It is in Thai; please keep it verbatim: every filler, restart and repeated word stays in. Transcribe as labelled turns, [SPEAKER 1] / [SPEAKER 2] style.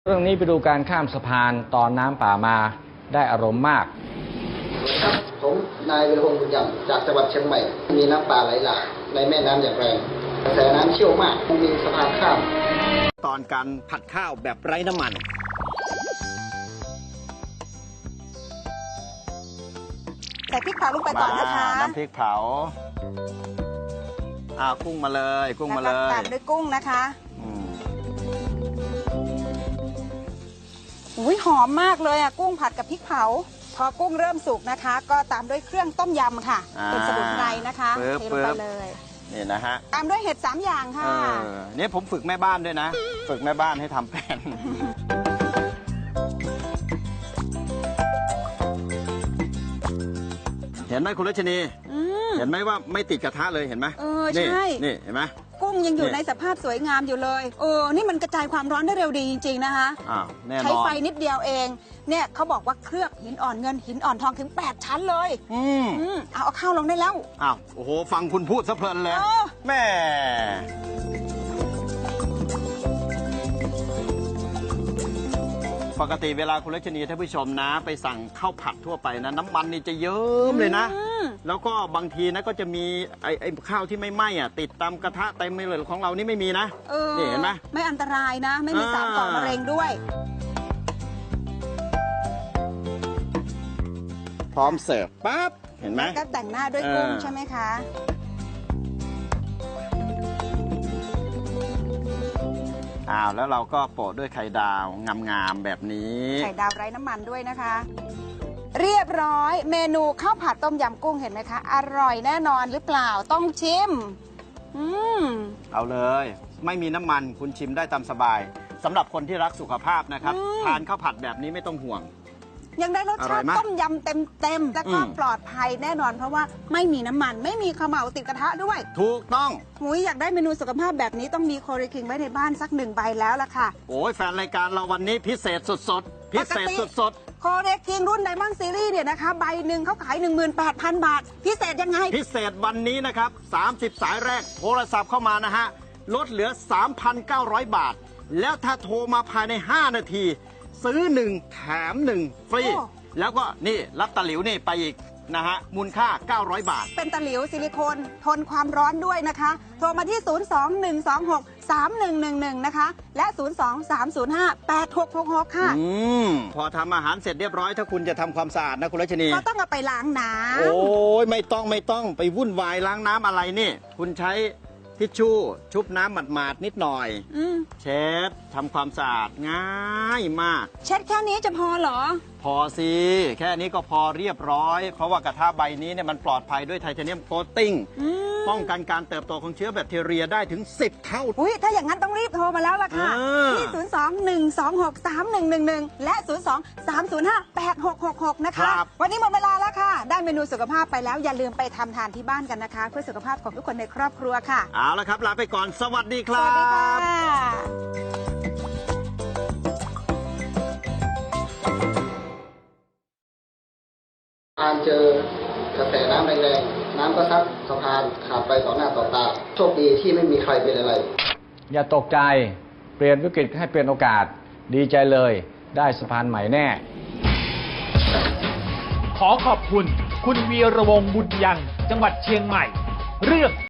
[SPEAKER 1] เรื่องนี้ไปดูการข้ามสะพานตอนน้ำป่ามาได้อารมณ์มาก
[SPEAKER 2] ครับผมนายวีรพงศ์บุญยังจากจังหวัดเชียงใหม่มีน้ำป่าไหลหลากในแม่น้ำอย่างแรงกระแสน้ำเชี่ยวมากมีสะพานข้าม
[SPEAKER 3] ตอนการผัดข้าวแบบไร้น้ำมัน
[SPEAKER 4] ใส่พริกเผาลงไปก่อนนะคะ
[SPEAKER 3] น้ำพริกเผาอ่ากุ้งมาเลยกุ้งมาเลย
[SPEAKER 4] ตามด้วยกุ้งนะคะอุ้ยหอมมากเลยอ่ะกุ้งผัดกับพริกเผาพอกุ้งเริ่มสุกนะคะก็ตามด้วยเครื่องต้มยำค่ะเป็นสมุนไพรนะคะเทลงไปเลย
[SPEAKER 3] นี่นะฮะ
[SPEAKER 4] ตามด้วยเห็ดสามอย่างค่ะ
[SPEAKER 3] นี่ผมฝึกแม่บ้านด้วยนะฝึกแม่บ้านให้ทำเป็นเห็นไหมคุณรัชนีเห็นไหมว่าไม่ติดกระทะเลยเห็นไหม
[SPEAKER 4] เออใช่
[SPEAKER 3] นี่เห็นไหม
[SPEAKER 4] กุ้งยังอยู่ในสภาพสวยงามอยู่เลยเออนี่มันกระจายความร้อนได้เร็วดีจริงๆนะคะใช้ไฟนิดเดียวเองเนี่ยเขาบอกว่าเคลือบหินอ่อนเงินหินอ่อนทองถึงแปดชั้นเลยอืมเอาเอาข้าวลงได้แล้ว
[SPEAKER 3] อ้าวโอ้โหฟังคุณพูดซะเพลินเลยแม่ปกติเวลาคุณรัชนีท่านผู้ชมนะไปสั่งข้าวผัดทั่วไปนะน้ำมันนี่จะเยิ้มเลยนะแล้วก็บางทีนะก็จะมีไอ้ไอ้ข้าวที่ไม่ไหม้อ่ะติดตามกระทะเต็มเลยของเรานี่ไม่มีนะนี่เห็นไหม
[SPEAKER 4] ไม่อันตรายนะไม่มีสารก่อมะเร็งด้วย
[SPEAKER 3] พร้อมเสิร์ฟปั๊บเห็นไหม
[SPEAKER 4] ก็แต่งหน้าด้วยกุ้งใช่ไหมคะ
[SPEAKER 3] อ้าวแล้วเราก็โปะด้วยไข่ดาวงามๆแบบนี้
[SPEAKER 4] ไข่ดาวไร้น้ำมันด้วยนะคะเรียบร้อยเมนูข้าวผัดต้มยำกุ้งเห็นไหมคะอร่อยแน่นอนหรือเปล่าต้องชิมอืม
[SPEAKER 3] เอาเลยไม่มีน้ำมันคุณชิมได้ตามสบายสำหรับคนที่รักสุขภาพนะครับทานข้าวผัดแบบนี้ไม่ต้องห่วง
[SPEAKER 4] ยังได้รสชาติต้มยำเต็มๆแล้วก็ปลอดภัยแน่นอนเพราะว่าไม่มีน้ำมันไม่มีเขม่าติดกระทะด้วย
[SPEAKER 3] ถูกต้อง
[SPEAKER 4] หุยอยากได้เมนูสุขภาพแบบนี้ต้องมีโคเรคิงไว้ในบ้านสักหนึ่งใบแล้วล่ะค่ะ
[SPEAKER 3] โอ้ยแฟนรายการเราวันนี้พิเศษสดๆพิเศษสด
[SPEAKER 4] ๆโคเรคิงรุ่นไดมอนด์ซีรีส์เนี่ยนะคะใบหนึ่งเขาขาย หนึ่งหมื่นแปดพัน บาทพิเศษยังไง
[SPEAKER 3] พิเศษวันนี้นะครับสามสิบสายแรกโทรศัพท์เข้ามานะฮะลดเหลือ สามพันเก้าร้อย บาทแล้วถ้าโทรมาภายในห้านาทีซื้อหนึ่งแถมหนึ่งฟรีแล้วก็นี่รับตะหลิวนี่ไปอีกนะฮะมูลค่าเก้าร้อยบาท
[SPEAKER 4] เป็นตะหลิวซิลิโคนทนความร้อนด้วยนะคะโทรมาที่ศูนย์ สอง หนึ่ง สอง หก สาม หนึ่ง หนึ่ง หนึ่งนะคะและศูนย์ สอง สาม ศูนย์ ห้า แปด หก หก หกค่ะ
[SPEAKER 3] อืมพอทำอาหารเสร็จเรียบร้อยถ้าคุณจะทำความสะอาดนะคุณรัชนี
[SPEAKER 4] ก็ต้องเอาไปล้างน้ำ
[SPEAKER 3] โอ้ยไม่ต้องไม่ต้องไปวุ่นวายล้างน้ำอะไรนี่คุณใช้ทิชชู่ชุบน้ำหมาดๆนิดหน่อยเช็ดทำความสะอาดง่ายมาก
[SPEAKER 4] เช็ดแค่นี้จะพอเหรอ
[SPEAKER 3] พอสิแค่นี้ก็พอเรียบร้อยเพราะว่ากระทะใบนี้เนี่ยมันปลอดภัยด้วยไทเทเนียมโคตติ้งป้องกันการเติบโตของเชื้อแบคทีเรียได้ถึงสิบเท่า
[SPEAKER 4] อุ้ยถ้าอย่างนั้นต้องรีบโทรมาแล้วล่ะค่ะที่ศูนย์ สอง หนึ่ง สอง หก สาม หนึ่ง หนึ่ง หนึ่งและศูนย์ สอง สาม ศูนย์ ห้า แปด หก หก หกนะคะวันนี้หมดเวลาแล้วค่ะได้เมนูสุขภาพไปแล้วอย่าลืมไปทำทานที่บ้านกันนะคะเพื่อสุขภาพของทุกคนในครอบครัวค่ะ
[SPEAKER 3] เอาละครับลาไปก่อนสวัสดีครับ
[SPEAKER 4] สวัสดีค่ะ
[SPEAKER 2] การเจอกระแสน้ำแรงๆน้ำก็ซัดสะพานขาดไปต่อหน้าต่อตาโชคดีที่ไม่มีใครเป็นอะไร
[SPEAKER 1] อย่าตกใจเปลี่ยนวิกฤตให้เป็นโอกาสดีใจเลยได้สะพานใหม่แน่
[SPEAKER 5] ขอขอบคุณคุณวีรวงศ์บุญยังจังหวัดเชียงใหม่เรื่อง